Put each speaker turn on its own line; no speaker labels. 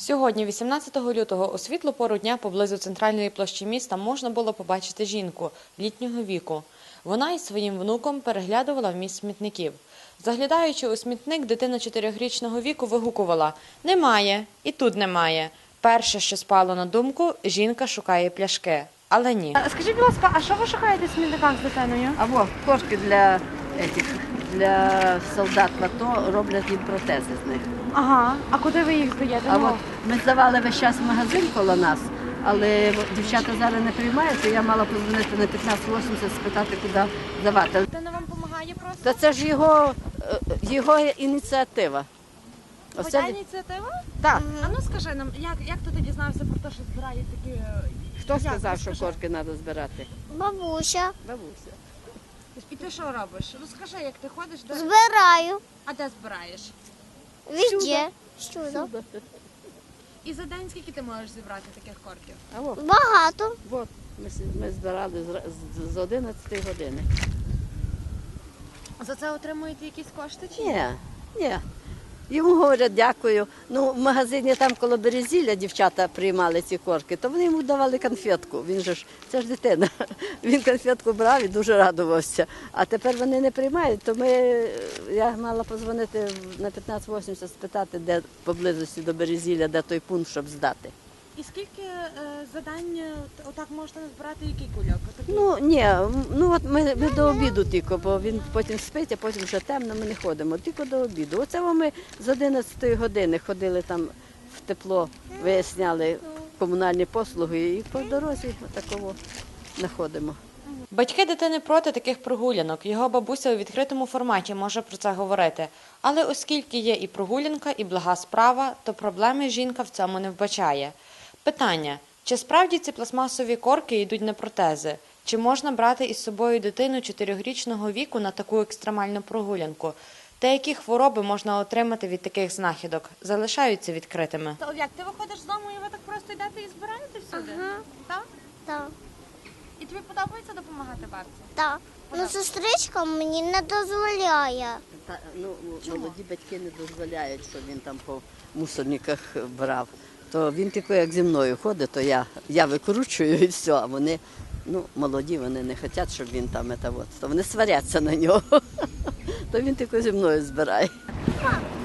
Сьогодні, 18 лютого, у світлу пору дня поблизу центральної площі міста можна було побачити жінку літнього віку. Вона із своїм внуком переглядувала вміст смітників. Заглядаючи у смітник, дитина 4-річного віку вигукувала «Немає, і тут немає». Перше, що спало на думку, жінка шукає пляшки. Але ні.
Скажіть, будь ласка, а що ви шукаєте в смітниках з дитиною?
Або кошки для солдат в АТО роблять їм протези з них.
Ага, а куди ви їх здаєте?
А от ми здавали весь час в магазин коло нас, але дівчата зараз не приймають, і я мала подзвонити на 1580, спитати, куди здавати.
Дитина вам допомагає просто?
Та це ж його ініціатива.
Твоя ініціатива?
Так.
А ну скажи нам, як ти дізнався про те, що збирають такі...
Хто сказав, що кошки треба збирати?
Бабуся.
Бабуся.
І ти що робиш? Розкажи, як ти ходиш, де...
Збираю.
А де збираєш?
Везде. Всюди.
І за день скільки ти можеш зібрати таких корків?
А от,
Багато.
ми збирали з 11 години.
За це отримуєте якісь кошти чи
Ні. Йому говорять дякую. Ну, в магазині там коло Березілля дівчата приймали ці корки, то вони йому давали конфетку. Він же ж, це ж дитина. Він конфетку брав і дуже радувався. А тепер вони не приймають, то я мала подзвонити на 1580, спитати, де поблизості до Березілля, де той пункт, щоб здати.
І скільки за день отак можете назбирати, який кульок?
Ну, ні, от ми до обіду тільки, бо він потім спить, а потім вже темно, ми не ходимо, тільки до обіду. Оце ми з 11 години ходили там в тепло, виясняли комунальні послуги і по дорозі такого знаходимо.
Батьки дитини проти таких прогулянок. Його бабуся у відкритому форматі може про це говорити. Але оскільки є і прогулянка, і блага справа, то проблеми жінка в цьому не вбачає. Питання. Чи справді ці пластмасові корки йдуть на протези? Чи можна брати із собою дитину 4-річного віку на таку екстремальну прогулянку? Та які хвороби можна отримати від таких знахідок? Залишаються відкритими.
То як, ти виходиш з дому і ви так просто йдете і збираєте всюди?
Ага.
Так?
Так.
І тобі подобається допомагати бабці?
Так. Ну, сестричка мені не дозволяє.
Молоді батьки не дозволяють, щоб він там по мусорниках брав. То він тільки як зі мною ходить, то я викручую і все, а вони, молоді, вони не хочуть, щоб він там, то вони сваряться на нього. То він тільки зі мною збирає.